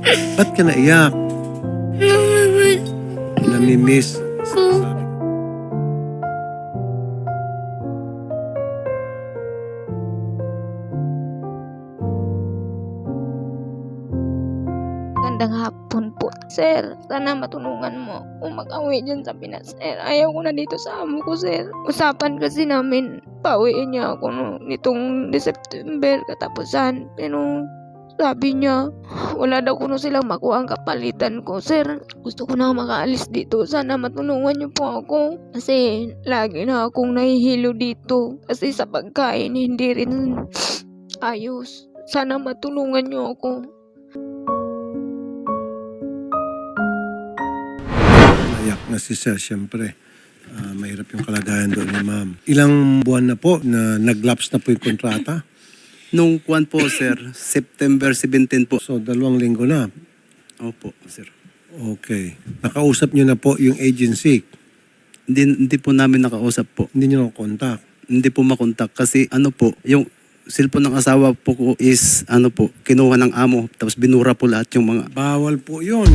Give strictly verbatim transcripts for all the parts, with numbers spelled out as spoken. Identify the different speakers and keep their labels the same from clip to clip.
Speaker 1: Ba't ka naiyak?
Speaker 2: Namimiss
Speaker 1: Namimiss.
Speaker 2: ko.
Speaker 3: Magandang hapon po, sir. Sana matulungan mo kung mag-awi dyan sa Pinas, sir. Ayaw ko na dito sa amo ko, sir. Usapan kasi namin, pauwiin niya ako no, nitong September katapusan. Pero sabi niya, wala daw kuno silang makuha ang kapalitan ko, sir. Gusto ko na makaalis dito. Sana matulungan niyo po ako. Kasi lagi na akong nahihilo dito. Kasi sa pagkain, hindi rin ayos. Sana matulungan niyo ako.
Speaker 1: Naiyak na si Sir, siyempre. Ah, mahirap yung kalagayan doon ni ma'am. Ilang buwan na po na nag-lapse na po yung kontrata?
Speaker 4: Nung kuwan po, sir, September seventeenth po.
Speaker 1: So, dalawang linggo na.
Speaker 4: Opo, sir.
Speaker 1: Okay. Nakausap niyo na po yung agency.
Speaker 4: Hindi, hindi po namin nakausap po.
Speaker 1: Hindi niyo na-contact.
Speaker 4: Hindi po makontak kasi ano po, yung cellphone ng asawa po ko is ano po, kinuha ng amo tapos binura po lahat yung mga
Speaker 1: Bawal po yun.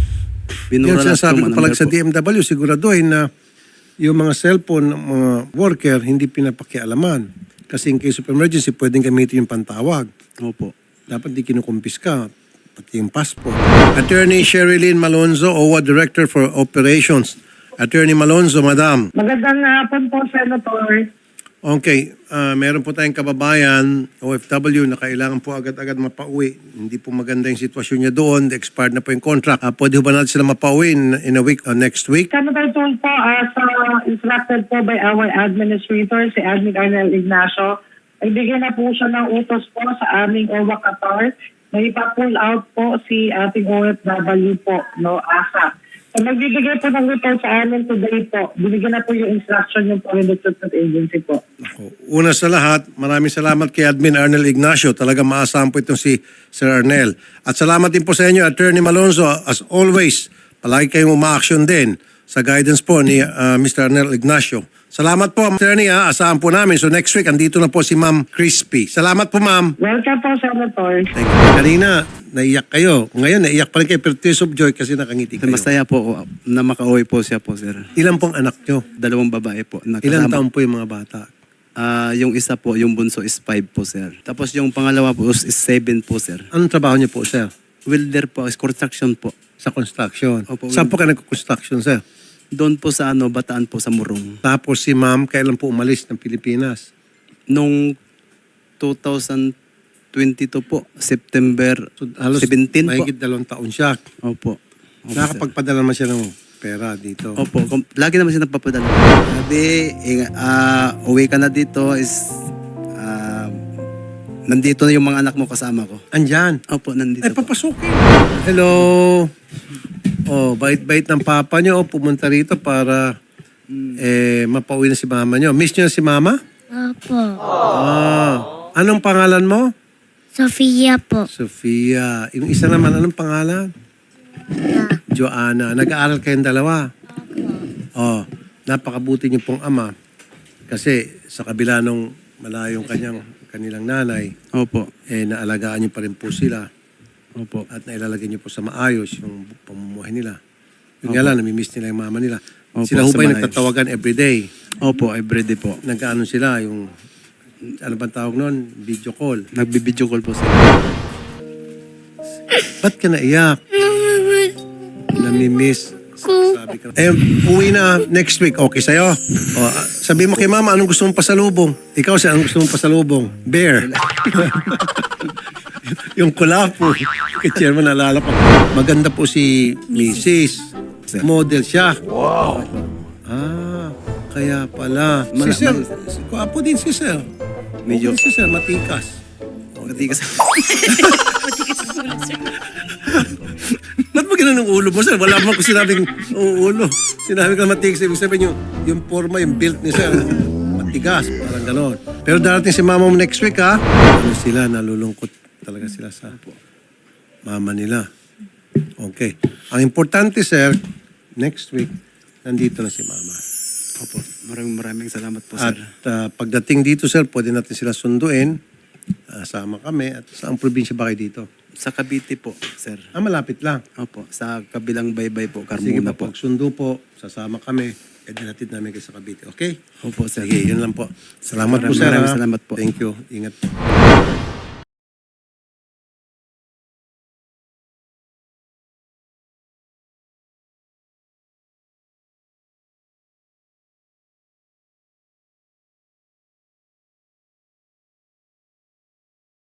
Speaker 4: binura
Speaker 1: Yan
Speaker 4: lahat
Speaker 1: sinasabi
Speaker 4: yung
Speaker 1: ko
Speaker 4: mga
Speaker 1: palag
Speaker 4: number
Speaker 1: sa
Speaker 4: po.
Speaker 1: D M W, siguraduhin na yung mga cellphone ng mga worker hindi pinapakialaman. Kasi in case of emergency, pwedeng gamitin yung pantawag.
Speaker 4: Opo.
Speaker 1: Dapat di kinukumpiska, pati yung passport. Attorney Sherilyn Malonzo, O W A Director for Operations. Attorney Malonzo, Madam.
Speaker 5: Magandang hapon po, Senator.
Speaker 1: Okay, ah, meron po tayong kababayan, O F W, na kailangan po agad-agad mapauwi. Hindi po maganda yung sitwasyon niya doon. Expired na po yung contract. Ah, pwede ba natin sila mapauwi in, in a week or next week?
Speaker 5: Senator Tool po, as uh, instructed po by our administrator, si Admin Arnel Ignacio, nagbigay na po siya ng utos po sa aming O W A Qatar na ipa-pull out po si ating O F W po, no, A S A. So, nagbibigay po ng report sa amin today po. Binigyan na po yung instruction yung Foreign Recruitment Agency po.
Speaker 1: Ako, una sa lahat, maraming salamat kay Admin Arnel Ignacio. Talaga maasahan po itong si Sir Arnel. At salamat din po sa inyo, Attorney Malonzo. As always, palagi kayong uma-action din sa guidance po ni uh, Mister Arnel Ignacio. Salamat po, Attorney. Ha? Asahan po namin. So next week, andito na po si Ma'am Crispy. Salamat po, Ma'am.
Speaker 5: Welcome po, Senator.
Speaker 1: Thank you. Kanina, naiyak kayo. Ngayon, naiyak pa rin kayo, pero tears of joy kasi nakangiti kayo.
Speaker 4: Masaya po ako na makauwi po siya po, sir.
Speaker 1: Ilan pong anak nyo?
Speaker 4: Dalawang babae po.
Speaker 1: Ilan
Speaker 4: Nakasama.
Speaker 1: taon po yung mga bata?
Speaker 4: Ah, yung isa po, yung bunso is five po, sir. Tapos yung pangalawa po is seven po, sir.
Speaker 1: Anong trabaho niyo po, sir?
Speaker 4: Welder po, is construction po.
Speaker 1: Sa construction.
Speaker 4: Opo,
Speaker 1: Saan po kayo nagko-construction, sir?
Speaker 4: Doon po sa ano, Bataan po sa Murong.
Speaker 1: Tapos si ma'am, kailan po umalis ng Pilipinas?
Speaker 4: Nung two thousand twenty-two po, September
Speaker 1: So, halos
Speaker 4: seventeen po.
Speaker 1: mahigit dalawang taon siya.
Speaker 4: Opo. Opo, sir.
Speaker 1: Nakakapagpadala naman siya ng pera dito.
Speaker 4: Opo, kom- lagi naman siya nagpapadala. Sabi, inga- ah, uwi ka na dito is, ah, nandito na yung mga anak mo kasama ko.
Speaker 1: Andyan.
Speaker 4: Opo, nandito
Speaker 1: Ay,
Speaker 4: po.
Speaker 1: papasukin. Hello. Oh, bait-bait ng papa niyo. Oh, pumunta rito para eh, mapauwi na si mama niyo. Miss niyo na si mama?
Speaker 2: Opo.
Speaker 1: Ah. Anong pangalan mo?
Speaker 2: Sofia po.
Speaker 1: Sofia. Yung isa naman, anong pangalan? Joanna. Nag-aaral kayong dalawa? Oh, napakabuti niyo pong ama. Kasi sa kabila nung malayong kanyang kanilang nanay,
Speaker 4: Opo.
Speaker 1: eh naalagaan niyo pa rin po sila.
Speaker 4: Opo.
Speaker 1: At nailalagay niyo po sa maayos yung pamumuhay nila. Yung nga lang, namimiss nila yung mama nila.
Speaker 4: Opo,
Speaker 1: Sila ho
Speaker 4: sa
Speaker 1: ba'y
Speaker 4: maayos.
Speaker 1: nagtatawagan everyday?
Speaker 4: Opo, everyday po.
Speaker 1: Nagkaano sila, yung, ano bang tawag nun? Video call.
Speaker 4: Nagbibideo call po sila.
Speaker 1: Ba't ka naiyak?
Speaker 2: Namimiss
Speaker 1: Namimiss.
Speaker 2: ko.
Speaker 1: Sabi ka. Eh, uwi na next week. Okay sa'yo? O, ah, sabi mo kay mama, anong gusto mong pasalubong? Ikaw siya, anong gusto mong pasalubong? Bear. Yung kulapo. Kay chairman, naalala ko. Maganda po si Missus Model siya. Wow. Ah, kaya pala. Si
Speaker 4: Mala-
Speaker 1: Sir,
Speaker 4: mal-
Speaker 1: kuwapo din si Sir.
Speaker 4: Medyo-
Speaker 1: Okay si Sir, matikas.
Speaker 4: Matigas.
Speaker 1: Ba't mo ganun ang ulo mo, Sir? Wala mo ko sinabing oh, ulo. Sinabi ko matigas. Ibig sabihin yung, yung forma, yung build ni Sir. Matigas, parang gano'n. Pero darating si mama mo next week, ha? Ano sila, nalulungkot talaga sila sa mama nila. Okay. Ang importante, Sir, next week, nandito na si mama.
Speaker 4: Opo. Maraming maraming salamat po,
Speaker 1: At
Speaker 4: sir.
Speaker 1: uh, pagdating dito, Sir, pwede natin sila sunduin. Uh, sama kami. At saang probinsya ba kayo dito?
Speaker 4: Sa Cavite po, sir.
Speaker 1: Ah, malapit lang.
Speaker 4: Opo, sa kabilang baybay po,
Speaker 1: Sige
Speaker 4: Carmona
Speaker 1: po,
Speaker 4: po.
Speaker 1: pagsundo po, sasama kami. E dinatid namin kayo sa Cavite. Okay?
Speaker 4: Opo, sir.
Speaker 1: Sige, yun lang po. Salamat po,
Speaker 4: Maraming
Speaker 1: sir.
Speaker 4: maraming
Speaker 1: ha?
Speaker 4: salamat po.
Speaker 1: Thank you. Ingat.